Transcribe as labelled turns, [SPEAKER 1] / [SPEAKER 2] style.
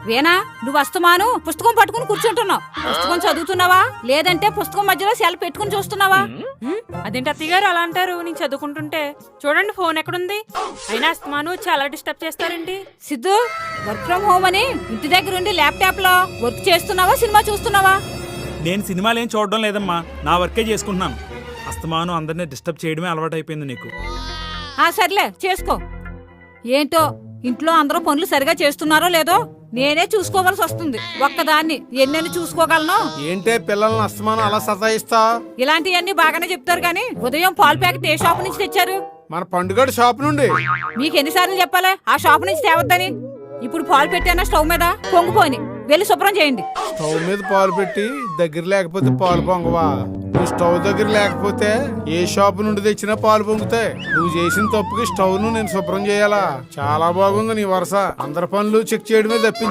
[SPEAKER 1] వేనా నువ్వు అస్తమాను పుస్తకం పట్టుకుని కూర్చుంటున్నావు. పుస్తకం చదువుతున్నావా లేదంటే పుస్తకం మధ్యలో సెల్ పెట్టుకుని చూస్తున్నావా?
[SPEAKER 2] అదేంటి అత్తయ్య గారు అలా అంటారు? నేను చదువుకుంటుంటే చూడండి ఫోన్ ఎక్కడుంది. అయినా అస్తమాను చాలా డిస్టర్బ్ చేస్తారేంటి?
[SPEAKER 1] సిద్ధు, వర్క్ ఫ్రం హోమ్ అని ఇంటి దగ్గర ఉండి ల్యాప్టాప్ లో వర్క్ చేస్తున్నావా సినిమా చూస్తున్నావా?
[SPEAKER 3] నేను సినిమాలేం చూడడం లేదమ్మా, నా వర్కే చేసుకుంటున్నాను. అస్తమాను అందరినీ డిస్టర్బ్ చేయడమే అలవాటైపోయింది నీకు.
[SPEAKER 1] సర్లే చేసుకో. ఏంటో ఇంట్లో అందరూ పనులు సరిగా చేస్తున్నారో లేదో నేనే చూసుకోవాల్సి వస్తుంది. ఒక్కదాన్ని ఎన్నెన్ని చూసుకోగలను?
[SPEAKER 4] ఏంటే పిల్లల్ని అస్తమానం అలా సతాయిస్తా?
[SPEAKER 1] ఇలాంటివన్నీ బాగానే చెప్తారు కానీ ఉదయం పాలు ప్యాకెట్ ఏ షాప్ నుంచి తెచ్చారు?
[SPEAKER 4] మన పండుగ షాప్ నుండి.
[SPEAKER 1] మీకు ఎన్నిసార్లు చెప్పాలి ఆ షాప్ నుంచి తేవద్దని? ఇప్పుడు పాలు పెట్టానా స్టవ్ మీద పొంగిపోయి వెళ్ళి శుభ్రం చేయండి.
[SPEAKER 4] స్టవ్ మీద పాలు పెట్టి దగ్గర లేకపోతే పాలు పొంగవా? నువ్వు స్టవ్ దగ్గర లేకపోతే ఏ షాప్ నుండి తెచ్చినా పాలు పొంగుతాయి. నువ్వు చేసిన తప్పుకి స్టవ్ ను నేను శుభ్రం చేయాలా? చాలా బాగుంది నీ వరుస. అందరి పనులు చెక్ చేయడమే తప్పించి